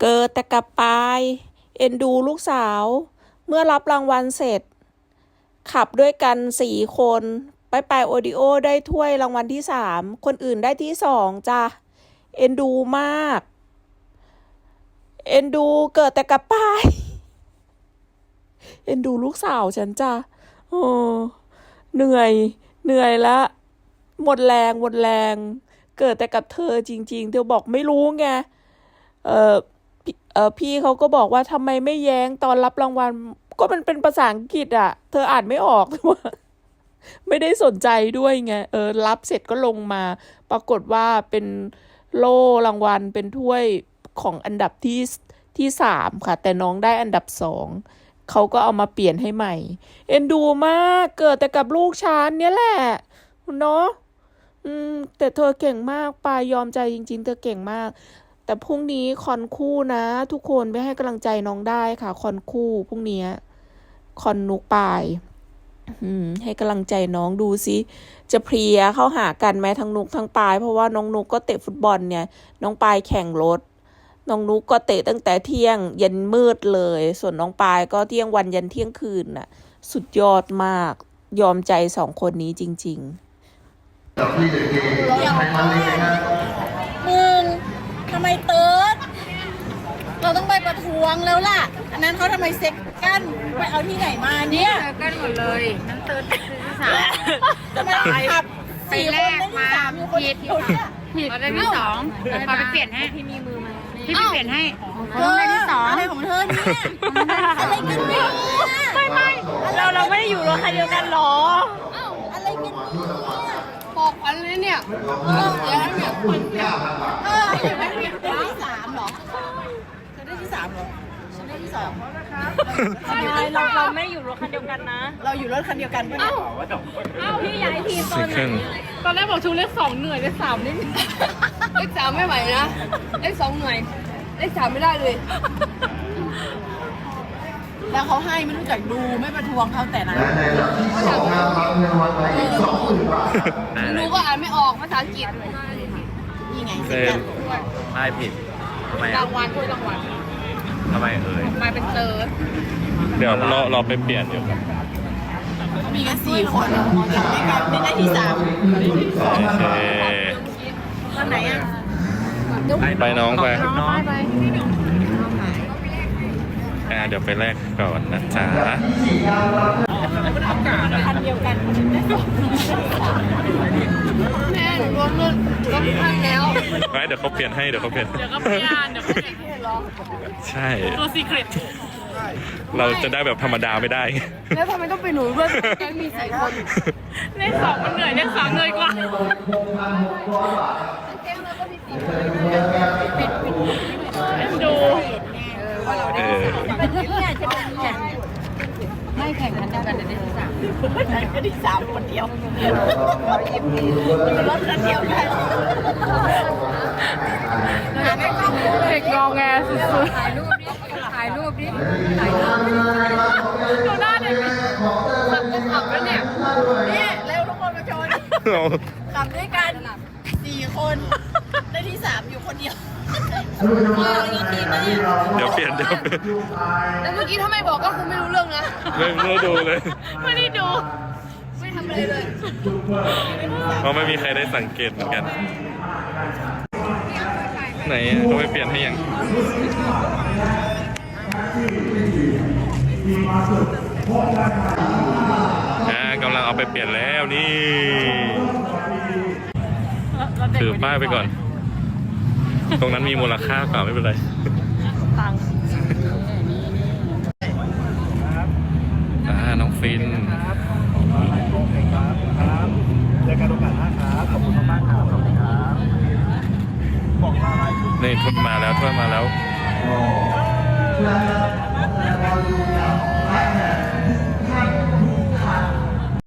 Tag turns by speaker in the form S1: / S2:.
S1: เกิดแต่กับปายเอ็นดูลูกสาวเมื่อรับรางวัลเสร็จขับด้วยกัน4 คนไปโอดิโอได้ถ้วยรางวัลที่3คนอื่นได้ที่2จ้ะเอ็นดูมากเอ็นดูเกิดแต่กับปายเอ็นดูลูกสาวฉันจ้ะโอ้เหนื่อยละหมดแรงเกิดแต่กับเธอจริงๆเธอบอกไม่รู้ไงพี่เขาก็บอกว่าทำไมไม่แย้งตอนรับรางวัลก็มันเป็นภาษาอังกฤษอ่ะเธออ่านไม่ออกไม่ได้สนใจด้วยไงรับเสร็จก็ลงมาปรากฏว่าเป็นโล่รางวัลเป็นถ้วยของอันดับที่3ค่ะแต่น้องได้อันดับ2เขาก็เอามาเปลี่ยนให้ใหม่เอ็นดูมากเกิดแต่กับลูกฉันเนี่ยแหละเนาะแต่เธอเก่งมากปายยอมใจจริงๆเธอเก่งมากแต่พรุ่งนี้คอนคู่นะทุกคนไปให้กำลังใจน้องได้ค่ะคอนคู่พรุ่งนี้คอนนุกปายให้กำลังใจน้องดูสิจะเพลียเข้าหากันไหมทั้งนุกทั้งปายเพราะว่าน้องนุกก็เตะฟุตบอลเนี่ยน้องปายแข่งรถน้องนุกก็เตะตั้งแต่เที่ยงยันมืดเลยส่วนน้องปายก็เที่ยงวันยันเที่ยงคืนน่ะสุดยอดมากยอมใจ2 คนนี้จริงๆ
S2: มึงทำไมเติร์ดเราต้องไปประท้วงแล้วล่ะอันนั้นเขาทำไมเซ็กกันไปเอาที่ไหนมาเนี่ย
S3: กันหมดเลยนั่นเติร์ดคือที่3
S2: ทำไมขับ
S3: ไปแรกมาผิดเราได้ที่2ขอไปเปลี่ยนให้พี่มีมือมาพี่ไปเปลี่ยนให้
S2: เขาได้ที่2อะไรของเธอเนี่ยอะไรกันเนี่ย
S3: ไม่เราไม่ได้อยู่รถคันเดียวกันหรอ
S2: อะไรกันเนี่ย
S3: บอกอันนี้เนี่ยแล้วเนี่ยคนเนี่ย
S2: อย่างนั้นได้ที่3หรอเธอได้ที่3หรอฉันได้ที่2
S3: เราไม่อยู่รถคันเดียวกันนะ
S2: เราอยู่รถคันเดียวกันปะเนี่ย
S3: พี่ย้ายทีมตอนแรกบอกชูเลข2เหนื่อยเลข3นี่เลข3ไม่ไหวนะเลข2เหนื่อยเลข3ไม่ได้เลย
S2: แล้วเขาให้ไม่รู้จักดูไม่ประท้วงเขาแต่นะ
S3: รู้ก็อ่านไม่ออกภาษาอังกฤษ
S2: นี่ไง
S4: ไม่ผิดทำไม
S3: รางวัลถ้วยรางวัล
S4: ทำไม
S3: มาเป็นเติร์ด
S4: เดี๋ยวเราไปเปลี่ยนอยู่
S2: มีกัน4 คนไม่กันไม่ได้ที่3
S4: โอเค
S2: ตอนไหนอ่ะ
S4: ไปน้องไปเดี๋ยวไปแลกก่อนนะจ๊ะ
S2: คันเดียวกัน
S3: แม่รวมรุ่นก็พังแล้ว
S4: เดี๋ยวเขาเปลี่ยนให้เดี๋ยวเขาเปลี่ยนใช่
S3: ตัวซีเครต
S4: เราจะได้แบบธรรมดาไม่ได้
S3: แล้วทำไมต้องเป็นหนูด้วยแกมี4 คนเลข2มันเหนื่อยเลข3เหนื่อยกว่าดูไม่แข่งกันเดียวกันได้ที่3
S2: ก็ที่3คนเดียวรถคันเดียวกัน
S3: เด็กงอแงสุดๆถ่ายรูปดิดูหน้าเด็กขับแล้วเนี่ย
S2: เร็วทุกคนมาชนขับด้วยกัน4 คนได้ที่3อยู่คนเดียว
S4: เดี๋ยวเปลี่ยน
S3: แล้วเมื่อกี้ถ้าไม่บอกก็คือไม่รู้เรื่องนะ
S4: ไม่ได้ดูเลย
S3: ไม่ได้ดูไม่ทำอะไรเลย
S4: เพราะไม่มีใครได้สังเกตเหมือนกันไหนเขาไปเปลี่ยนให้ยังกำลังเอาไปเปลี่ยนแล้วนี่ถือป้ายไปก่อนตรงนั้นมีมูลค่ากว่าไม่เป็นไร
S3: ตัง
S4: น้องฟิน
S5: เจอกันโอกาสหน้าครับขอบคุณมากครับขอบคุณครับบอกลา
S4: นี่ถ้วยมาแล้ว